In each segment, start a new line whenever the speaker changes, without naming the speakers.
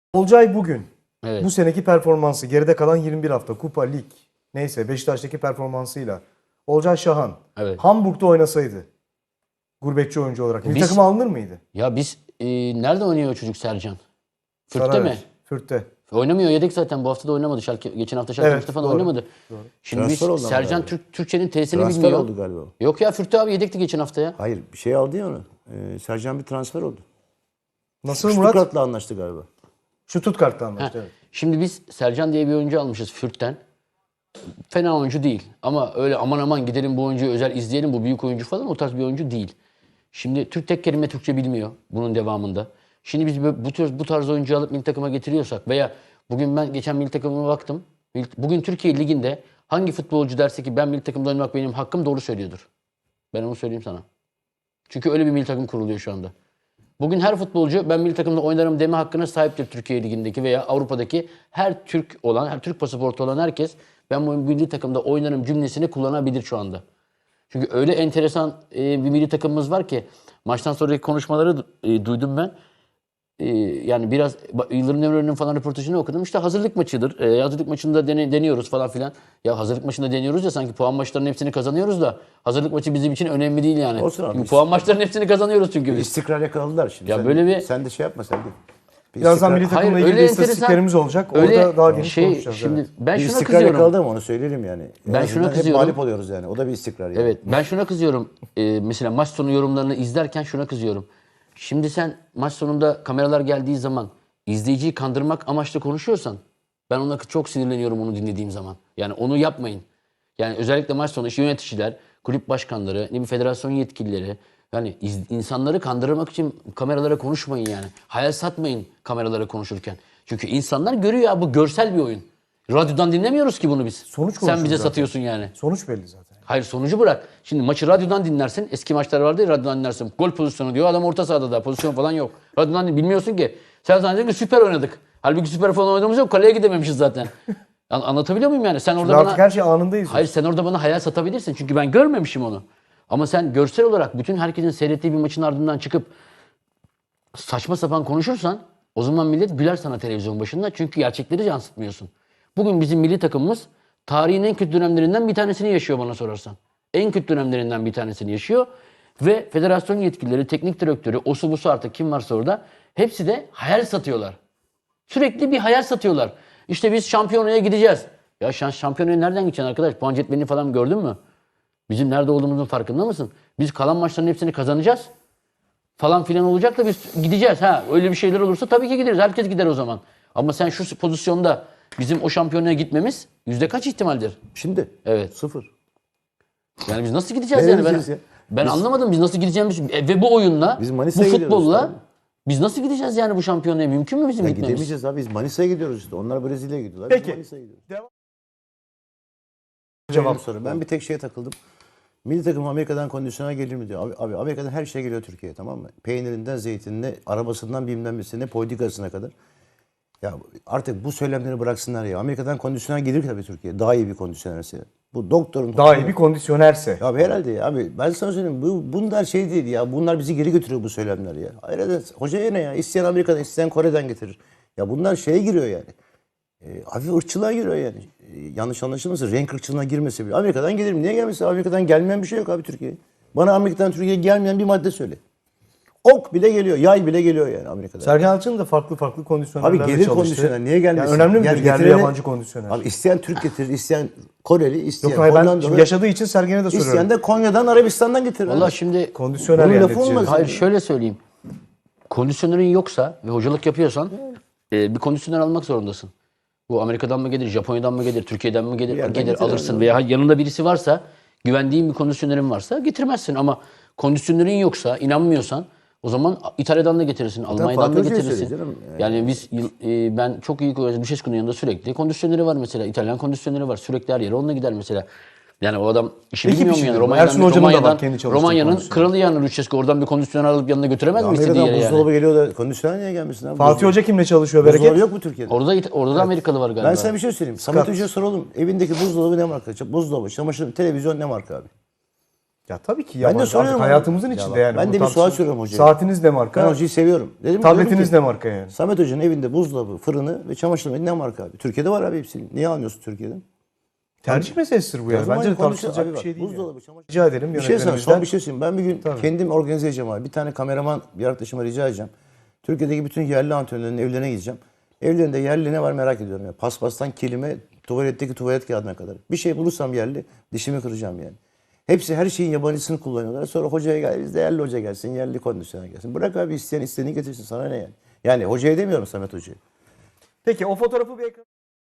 Olcay bugün
Evet.
bu seneki performansı geride kalan 21 hafta kupa lig neyse Beşiktaş'taki performansıyla Olcay Şahan
Evet.
Hamburg'da oynasaydı gurbetçi oyuncu olarak milli
Biz-
takıma alınır mıydı?
Ya biz nerede oynuyor o çocuk Sercan? Fürth'te
Sarayer,
mi?
Fürth'te.
Oynamıyor, yedek zaten. Bu hafta da oynamadı. Geçen hafta Schalke
Evet,
maçta falan
doğru.
oynamadı. Şimdi
Transfer oldu
biz
ama
Sercan
galiba.
Türkçenin tesisini
Transfer
bilmiyor.
oldu galiba.
Yok ya, Fürth'te abi yedekti geçen hafta ya.
Hayır, bir şey aldı ya onu. Sercan bir transfer oldu.
Nasıl Murat?
Stuttgart'la anlaştı galiba.
Stuttgart'ta
Heh.
anlaştı. Evet.
Şimdi biz Sercan diye bir oyuncu almışız Fürth'ten. Fena oyuncu değil. Ama öyle aman aman gidelim bu oyuncuyu özel izleyelim, bu büyük oyuncu falan, o tarz bir oyuncu değil. Şimdi tek kelime Türkçe bilmiyor bunun devamında. Şimdi biz bu tarz oyuncu alıp milli takıma getiriyorsak veya bugün ben geçen milli takımıma baktım. Bugün Türkiye Ligi'nde hangi futbolcu derse ki ben milli takımda oynamak benim hakkım, doğru söylüyordur. Ben onu söyleyeyim sana. Çünkü öyle bir milli takım kuruluyor şu anda. Bugün her futbolcu ben milli takımda oynarım deme hakkına sahiptir Türkiye Ligi'ndeki veya Avrupa'daki her Türk olan, her Türk pasaportu olan herkes ben bu milli takımda oynarım cümlesini kullanabilir şu anda. Çünkü öyle enteresan bir milli takımımız var ki maçtan sonraki konuşmaları duydum ben. Yani biraz Yıldırım Demirören'in falan röportajını okudum. İşte hazırlık maçıdır. Hazırlık maçında deniyoruz falan filan. Ya hazırlık maçında deniyoruz ya, sanki puan maçlarının hepsini kazanıyoruz da hazırlık maçı bizim için önemli değil yani.
Olsun abi.
Çünkü puan maçlarının hepsini kazanıyoruz çünkü biz.
İstikrar yakaladılar şimdi.
Ya
sen,
böyle bir-
sen de şey yapma sen de. Bir
Birazdan
istikrar-
milli takımla
Hayır,
ilgili
öyle
istatistiklerimiz olacak.
öyle
Orada daha geniş konuşacağız.
Şimdi
evet.
ben
bir
şuna
istikrar
kızıyorum.
yakaladı ama onu söyleyelim yani. En
Ben
azından
şuna
hep
kızıyorum.
mağlup oluyoruz yani. O da bir istikrar yani.
Evet, ben şuna kızıyorum. Mesela maç sonu yorumlarını izlerken şuna kızıyorum. Şimdi sen maç sonunda kameralar geldiği zaman izleyiciyi kandırmak amaçlı konuşuyorsan ben ona çok sinirleniyorum onu dinlediğim zaman. Yani onu yapmayın. Yani özellikle maç sonu işte yöneticiler, kulüp başkanları, ne bir federasyon yetkilileri, yani insanları kandırmak için kameralara konuşmayın yani. Hayal satmayın kameralara konuşurken. Çünkü insanlar görüyor ya, bu görsel bir oyun. Radyodan dinlemiyoruz ki bunu biz.
Sonuç
Sen
konuşuruz
bize
zaten.
satıyorsun yani.
Sonuç belli zaten.
Hayır, sonucu bırak. Şimdi maçı radyodan dinlersin. Eski maçlar vardı ya, radyodan dinlersin. Gol pozisyonu diyor. Adam orta sahada da pozisyon falan yok. Radyodan bilmiyorsun ki. Sen zannediyorsun ki süper oynadık. Halbuki süper falan oynadığımız yok. Kaleye gidememişiz zaten. Anlatabiliyor muyum yani? Sen orada
Artık
bana...
her şey anındayız.
Hayır, sen orada bana hayal satabilirsin. Çünkü ben görmemişim onu. Ama sen görsel olarak bütün herkesin seyrettiği bir maçın ardından çıkıp saçma sapan konuşursan o zaman millet güler sana televizyon başında. Çünkü gerçekleri yansıtmıyorsun. Bugün bizim milli takımımız tarihin en kötü dönemlerinden bir tanesini yaşıyor bana sorarsan. En kötü dönemlerinden bir tanesini yaşıyor. Ve federasyon yetkilileri, teknik direktörü, osu busu artık kim varsa orada hepsi de hayal satıyorlar. Sürekli bir hayal satıyorlar. İşte biz şampiyonaya gideceğiz. Ya şampiyonaya nereden gideceksin arkadaş? Puan cetvelini falan gördün mü? Bizim nerede olduğumuzun farkında mısın? Biz kalan maçların hepsini kazanacağız. Falan filan olacak da biz gideceğiz. Ha, öyle bir şeyler olursa tabii ki gideriz. Herkes gider o zaman. Ama sen şu pozisyonda bizim o şampiyonaya gitmemiz yüzde kaç ihtimaldir?
Şimdi
Evet.
0.
Yani biz nasıl gideceğiz
Ne
yani?
gideceğiz ya?
Ben anlamadım biz nasıl gideceğimiz. Ve bu oyunla,
Biz
bu
Manisa'ya gidiyoruz
futbolla
tabii.
biz nasıl gideceğiz yani bu şampiyonaya? Mümkün mü bizim
Ya
gitmemiz?
gidemeyeceğiz abi. Biz Manisa'ya gidiyoruz işte. Onlar Brezilya'ya gidiyorlar. Biz
Peki.
Manisa'ya gidiyoruz.
Cevap.
Benim soru. Ben bir tek şeye takıldım. Milli takım Amerika'dan kondisyona gelir mi diyor. Abi Amerika'dan her şey geliyor Türkiye'ye, tamam mı? Peynirinden zeytinine, arabasından bilmem nesine, politikasına kadar. Ya artık bu söylemleri bıraksınlar ya. Amerika'dan kondisyona gelir tabii Türkiye. Daha iyi bir kondisyonerse. Bu doktorun...
Daha iyi bir kondisyonerse.
Ya abi herhalde ya. Abi ben sana söyleyeyim. Bunlar şey değil ya. Bunlar bizi geri götürüyor bu söylemler ya. Hayır, hocaya ne ya? İsteyen Amerika'dan, isteyen Kore'den getirir. Ya bunlar şeye giriyor yani. Hafif ırkçılığa giriyor yani. Yanlış anlaşılmasın. Renk ırkçılığına girmesi bile. Amerika'dan gelir mi? Niye gelmesin? Amerika'dan gelmeyen bir şey yok abi Türkiye'ye. Bana Amerika'dan Türkiye'ye gelmeyen bir madde söyle. Ok bile geliyor. Yay bile geliyor yani Amerika'dan.
Sergen Yalçın da farklı kondisyonerlerle
Abi gelir
çalıştı.
kondisyoner. Niye gelmesin?
Yani önemli midir
Yani
yerli
getirene-
yabancı kondisyoner?
Abi isteyen Türk getirir, isteyen Koreli, isteyen
Yok hayır ben
Hollandalı,
şimdi yaşadığı için Sergen'e de soruyorum.
isteyen de Konya'dan, Arabistan'dan getirir.
Valla
abi.
şimdi
Kondisyoner
Bunun
yani
lafı
neticede.
olmaz.
hayır şöyle söyleyeyim. Kondisyonerin yoksa ve hocalık yapıyorsan bir kondisyoner almak zorundasın. Bu Amerika'dan mı gelir, Japonya'dan mı gelir, Türkiye'den mi gelir,
yerden
gelir
getirir
alırsın
abi.
veya yanında birisi varsa, güvendiğin bir kondisyonerin varsa getirmezsin. Ama kondisyonerin yoksa, inanmıyorsan o zaman İtalya'dan da getirirsin, Almanya'dan
Fatih
da
Hoca'ya
getirirsin.
söyle canım.
Yani biz ben çok iyi Büşescu'nun yanında sürekli kondisyoneri var mesela. İtalyan kondisyoneri var. Sürekli her yere onunla gider mesela. Yani o adam işi
Ekip
bilmiyor mu
işi
yani?
diyorum. Ersun Hoca'nın da var kendi çalıştığı
Romanya'nın
kondisyoner.
kralı yani Lucescu. Oradan bir kondisyoner alıp yanına götüremez mi istediği
Amerika'dan
yere yani?
buzdolabı geliyor da kondisyoner niye gelmesin abi?
Fatih Hoca kimle çalışıyor
Buzdolabı
Bereket?
yok mu Türkiye'de?
Orada da Amerikalı var galiba.
Ben sana bir şey söyleyeyim. Samet Hoca'ya soralım. Evindeki buzdolabı ne marka? Buzdolabı, çamaşır, televizyon ne marka abi?
Ya tabii ki
Ben de
yabancı. Artık
soruyorum.
hayatımızın
Ya
içinde
bak,
yani.
ben
Bunu
de bir sual
tartışılır.
soruyorum hocaya.
Saatiniz ne marka?
Ben hocayı seviyorum. Diyorum
Tabletiniz
ki,
ne marka yani?
Samet Hoca'nın evinde buzdolabı, fırını ve çamaşır makinesi ne marka abi? Türkiye'de var abi hepsini. Niye almıyorsun Türkiye'den?
Tercih meselesidir bu
O
yani.
zaman
Bence de
konuşuyor.
tartışılacak
Abi
bir
bak,
şey değil.
buzdolabı,
Yani.
çamaşır-
Rica ederim
Bir şey sana
yönetmenimizden.
son bir şey söyleyeyim. Ben bir gün kendim organize edeceğim abi. Bir tane kameraman bir arkadaşıma rica edeceğim. Türkiye'deki bütün yerli antrenörlerin evlerine gideceğim. Evlerinde yerli ne var merak ediyorum ya. Paspastan kilime, tuvaletteki tuvalet kağıdına kadar. Bir şey bulursam yerli dişimi kıracağım yani. Hepsi her şeyin yabancısını kullanıyorlar. Sonra hocaya gel, bizde yerli hoca gelsin, yerli kondisyoner gelsin. Bırak abi isteyen istediğini getirsin, sana ne yani. Yani hocaya demiyorum, Samet Hoca'ya.
Peki o fotoğrafı bir ekran.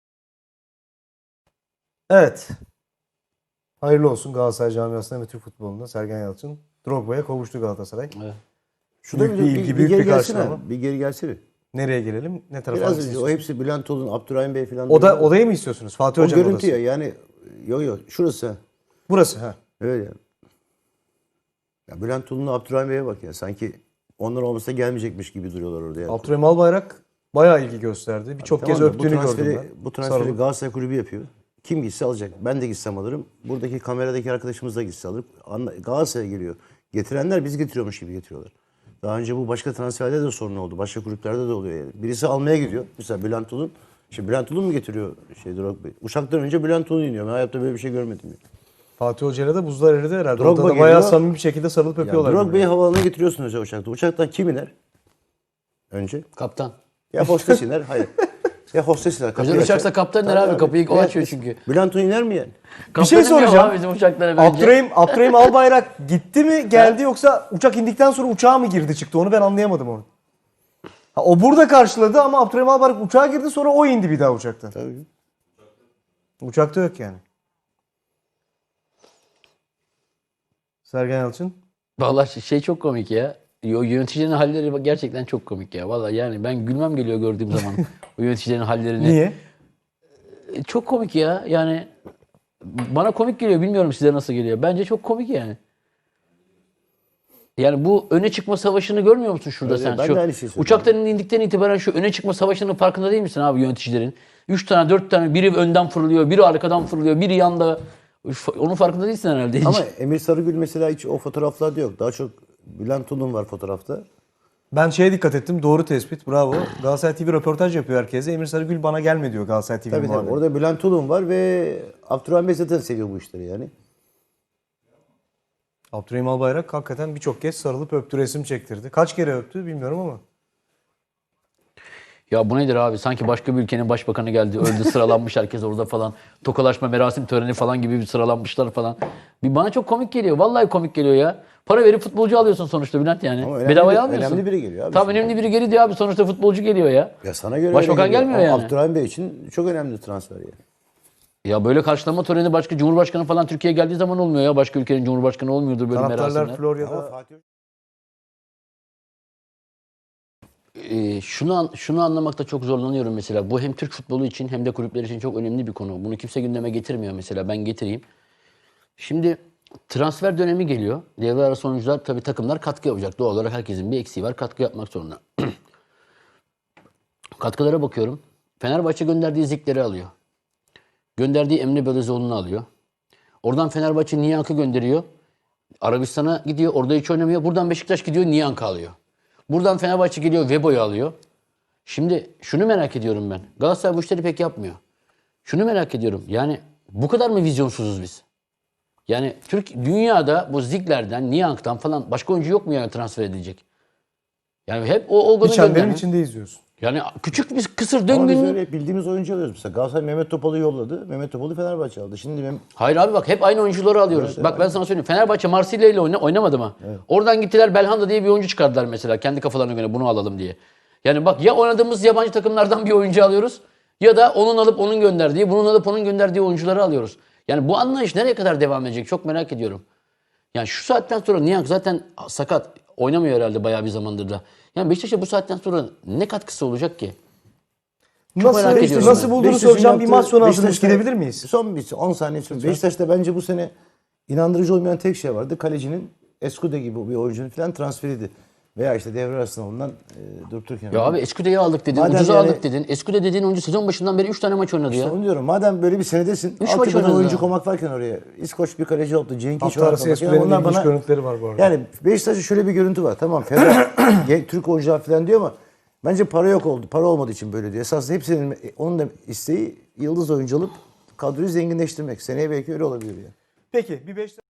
Evet. Hayırlı olsun Galatasaray camiasına ve Türk futbolunda Sergen Yalçın Drogba'ya kavuştu Galatasaray.
Evet.
Büyük bir ilgi, büyük
geri
bir
gelsene.
karşılama.
Bir geri gelsene.
Nereye gelelim? Ne tarafa
Biraz
gitsin
önce o
istiyorsun?
hepsi Bülent Olun, Abdurrahim Bey falan.
Odayı mı istiyorsunuz? Fatih
o
Hoca'nın
görüntü
odası.
ya yani yok şurası.
Burası ha.
Öyle yani. Ya Bülent Olun'la Abdurrahim Bey'e bak ya. Sanki onlar olmasa gelmeyecekmiş gibi duruyorlar orada yani.
Abdurrahim Albayrak bayağı ilgi gösterdi. Birçok
Tamam
kez
da
öptüğünü gördüm ben.
Bu transferi
Sarılıp.
Galatasaray Kulübü yapıyor. Kim gitse alacak. Ben de gitsem alırım. Buradaki kameradaki arkadaşımız da gitse alır. Galatasaray'a geliyor. Getirenler biz getiriyormuş gibi getiriyorlar. Daha önce bu başka transferde de sorun oldu. Başka kulüplerde de oluyor yani. Birisi almaya gidiyor. Mesela Bülent Olun. Şimdi Bülent Olun mu getiriyor Drogba? Uçaktan önce Bülent Olun iniyor. Ben hayatta böyle bir şey görmedim. Ya.
Fatih Hoca'yla da buzlar eridi herhalde.
Drogba
Orada da bayağı
geliyor.
samimi bir şekilde sarılıp öpüyorlar.
Drogba'yı
birbirini.
havaalanına getiriyorsun önce uçakta. Uçaktan kim iner? Önce.
Kaptan.
Ya hostes iner. Hayır. Ya hostes iner. kapıyı
Özel
açar.
uçaksa kaptan iner
Tabii
abi. Kapıyı o açıyor çünkü.
Bülent Olun iner mi yani?
Bir şey
Kaptan iniyor
soracağım.
abi bizim uçaklara bence.
Abdurrahim Albayrak gitti mi geldi yoksa uçak indikten sonra uçağa mı girdi çıktı onu ben anlayamadım onu. Ha, o burada karşıladı ama Abdurrahim Albayrak uçağa girdi sonra o indi bir daha uçaktan.
Tabii.
Uçakta yok yani. Sergen Yalçın.
Vallahi şey çok komik ya. O yöneticilerin halleri bak gerçekten çok komik ya. Vallahi yani ben gülmem geliyor gördüğüm zaman o yöneticilerin hallerini.
Niye?
Çok komik ya. Yani bana komik geliyor. Bilmiyorum size nasıl geliyor. Bence çok komik yani. Yani bu öne çıkma savaşını görmüyor musun şurada
Öyle,
sen?
ben
Şu
de aynı şeyi söylüyorum.
uçaktan indikten itibaren şu öne çıkma savaşının farkında değil misin abi yöneticilerin? 3 tane 4 tane biri önden fırlıyor, biri arkadan fırlıyor, biri yanda. Onun farkında değilsin herhalde hiç.
Ama Emir Sarıgül mesela hiç o fotoğraflarda yok. Daha çok Bülent Olun var fotoğrafta.
Ben şeye dikkat ettim. Doğru tespit. Bravo. Galatasaray TV röportaj yapıyor herkese. Emir Sarıgül bana gelme diyor Galatasaray TV
Tabii
muhabiri.
orada Bülent Olun var ve Abdurrahim Bey zaten seviyor bu işleri yani.
Abdurrahim Albayrak hakikaten birçok kez sarılıp öptü, resim çektirdi. Kaç kere öptü bilmiyorum ama.
Ya bu nedir abi? Sanki başka bir ülkenin başbakanı geldi. Öldü sıralanmış herkes orada falan. Tokalaşma merasim töreni falan gibi bir sıralanmışlar falan. Bir bana çok komik geliyor. Vallahi komik geliyor ya. Para verip futbolcu alıyorsun sonuçta Bülent yani.
Ama
Bedavaya almıyorsun.
önemli biri geliyor abi.
Tabii önemli biri geliyor diyor abi. Sonuçta futbolcu geliyor ya.
Ya sana göre
Başbakan
öyle geliyor.
gelmiyor
Ama
yani.
Abdurrahim Bey için çok önemli transfer yani.
Ya böyle karşılama töreni başka Cumhurbaşkanı falan Türkiye'ye geldiği zaman olmuyor ya. Başka ülkenin Cumhurbaşkanı olmuyordur böyle
Taraftarlar
merasimler.
Florya'da
Fatih
Şunu anlamakta çok zorlanıyorum mesela. Bu hem Türk futbolu için hem de kulüpler için çok önemli bir konu. Bunu kimse gündeme getirmiyor mesela. Ben getireyim. Şimdi transfer dönemi geliyor. Devre arası oyuncular tabii takımlar katkı yapacak. Doğal olarak herkesin bir eksiği var. Katkı yapmak zorunda. Katkılara bakıyorum. Fenerbahçe gönderdiği Zikler'i alıyor. Gönderdiği Emre Belözoğlu'nu alıyor. Oradan Fenerbahçe Niyank'ı gönderiyor. Arabistan'a gidiyor. Orada hiç oynamıyor. Buradan Beşiktaş gidiyor. Niyank'ı alıyor. Buradan Fenerbahçe geliyor. Vebo'yu alıyor. Şimdi şunu merak ediyorum ben. Galatasaray bu işleri pek yapmıyor. Şunu merak ediyorum. Yani bu kadar mı vizyonsuzuz biz? Yani dünyada bu Zigler'den, Niyank'tan falan başka oyuncu yok mu yani transfer edilecek? Yani hep o
bir
golü
çemberin
gönderme.
içinde izliyorsun.
Yani küçük bir kısır
Ama biz
döngünün...
öyle bildiğimiz oyuncu alıyoruz. Mesela Galatasaray Mehmet Topal'ı yolladı. Mehmet Topal'ı Fenerbahçe aldı. Şimdi
Hayır abi bak hep aynı oyuncuları alıyoruz.
Evet,
bak ben sana söyleyeyim. Fenerbahçe Marsilya ile oynamadı mı? Oradan gittiler Belhanda diye bir oyuncu çıkardılar mesela. Kendi kafalarına göre bunu alalım diye. Yani bak ya oynadığımız yabancı takımlardan bir oyuncu alıyoruz ya da onun alıp onun gönderdiği, bunun alıp onun gönderdiği oyuncuları alıyoruz. Yani bu anlayış nereye kadar devam edecek çok merak ediyorum. Yani şu saatten sonra Niyank zaten sakat. Oynamıyor herhalde bayağı bir zamandır da. Yani Beşiktaş'a bu saatten sonra ne katkısı olacak ki? merak ediyorum
Nasıl
ben.
bulduğunu
Beşiktaş'ın
soracağım. Bir
yaptığı-
maç sonu hazırlık
Beşiktaş'ta-
gidebilir miyiz?
Son bir 10 saniye sonra. Beşiktaş'ta bence bu sene inandırıcı olmayan tek şey vardı. Kalecinin Escude gibi bir oyuncunun falan transferiydi. Veya işte devre arasında ondan durup dururken.
Ya abi Escude'yi aldık dedin,
Madem
ucuza
yani-
aldık dedin. Escude dediğin oyuncu sezon başından beri 3 tane maç oynadı
İşte
ya.
onu diyorum. Madem böyle bir senedesin.
Üç maç
Altyapıdan
oynadı
oyuncu
daha.
koymak varken oraya. İskoç bir kaleci oldu. Cenk
Hafta arası Eskule'nin ilginç görüntüleri var bu arada.
Yani Beşiktaş'ta şöyle bir görüntü var. Tamam Ferhat Türk oyuncular falan diyor ama bence para yok oldu. Para olmadığı için böyle diyor. Esasında hepsinin onun da isteği yıldız oyuncu alıp kadroyu zenginleştirmek. Seneye belki öyle olabilir ya.
Peki bir 5